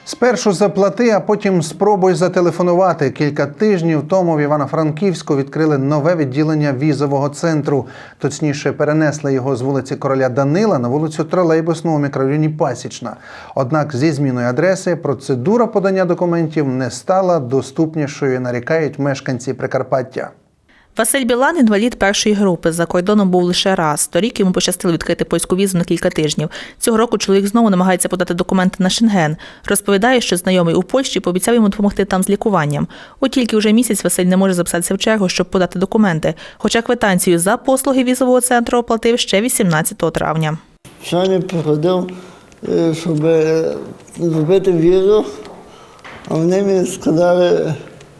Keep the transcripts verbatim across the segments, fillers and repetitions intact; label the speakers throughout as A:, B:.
A: Спершу заплати, а потім спробуй зателефонувати. Кілька тижнів тому в Івано-Франківську відкрили нове відділення візового центру. Точніше, перенесли його з вулиці Короля Данила на вулицю Тролейбусну у мікрорайоні Пасічна. Однак зі зміною адреси процедура подання документів не стала доступнішою, нарікають мешканці Прикарпаття.
B: Василь Білан – інвалід першої групи. За кордоном був лише раз. Торік йому пощастило відкрити польську візу на кілька тижнів. Цього року чоловік знову намагається подати документи на Шенген. Розповідає, що знайомий у Польщі пообіцяв йому допомогти там з лікуванням. От тільки вже місяць Василь не може записатися в чергу, щоб подати документи. Хоча квитанцію за послуги візового центру оплатив ще вісімнадцятого травня.
C: Сьогодні приходив, щоб зробити візу, а вони мені сказали,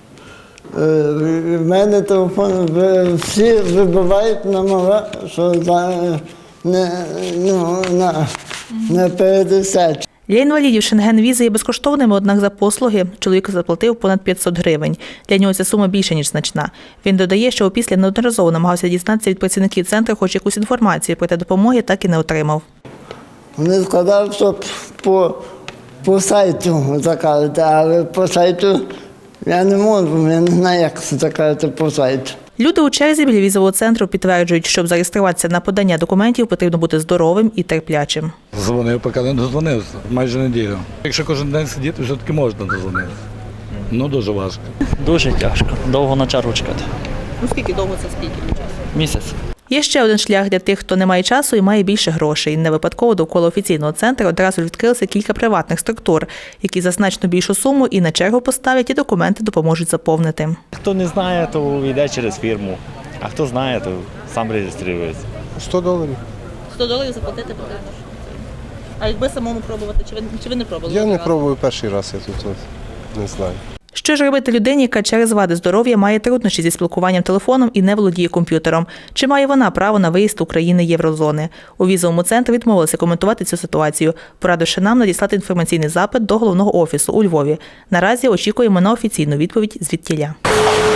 C: в мене телефон, всі вибивають номера, що не, ну, на, не передесять.
B: Для інвалідів Шенген-віза є безкоштовними, однак за послуги чоловік заплатив понад п'ятсот гривень. Для нього ця сума більше, ніж значна. Він додає, що опісля неодноразово намагався дізнатися від працівників центру хоч якусь інформацію, проте допомоги так і не отримав.
C: Вони сказали, що по, по сайту заказати, але по сайту я не можу, я не знаю, як це заказати по сайту.
B: Люди у черзі біля візового центру підтверджують, щоб зареєструватися на подання документів, потрібно бути здоровим і терплячим.
D: Дзвонив, поки не дозвонився, майже неділю. Якщо кожен день сидіти, все-таки можна дозвонитися. Ну, дуже важко.
E: Дуже тяжко, довго на чергу чекати.
B: Ну скільки довго це скільки часу?
E: Місяць.
B: Є ще один шлях для тих, хто не має часу і має більше грошей. Не випадково довкола офіційного центру одразу відкрилися кілька приватних структур, які за значно більшу суму і на чергу поставлять, і документи допоможуть заповнити.
F: Хто не знає, то йде через фірму, а хто знає, то сам реєструється.
G: сто доларів.
B: сто доларів заплатити потрібно. А якби самому пробувати, чи ви, чи ви не пробували?
G: Я не пробую перший раз, я тут не знаю.
B: Що ж робити людині, яка через вади здоров'я має труднощі зі спілкуванням телефоном і не володіє комп'ютером? Чи має вона право на виїзд у країни Єврозони? У візовому центрі відмовилися коментувати цю ситуацію, порадивши нам надіслати інформаційний запит до головного офісу у Львові. Наразі очікуємо на офіційну відповідь звідтіля.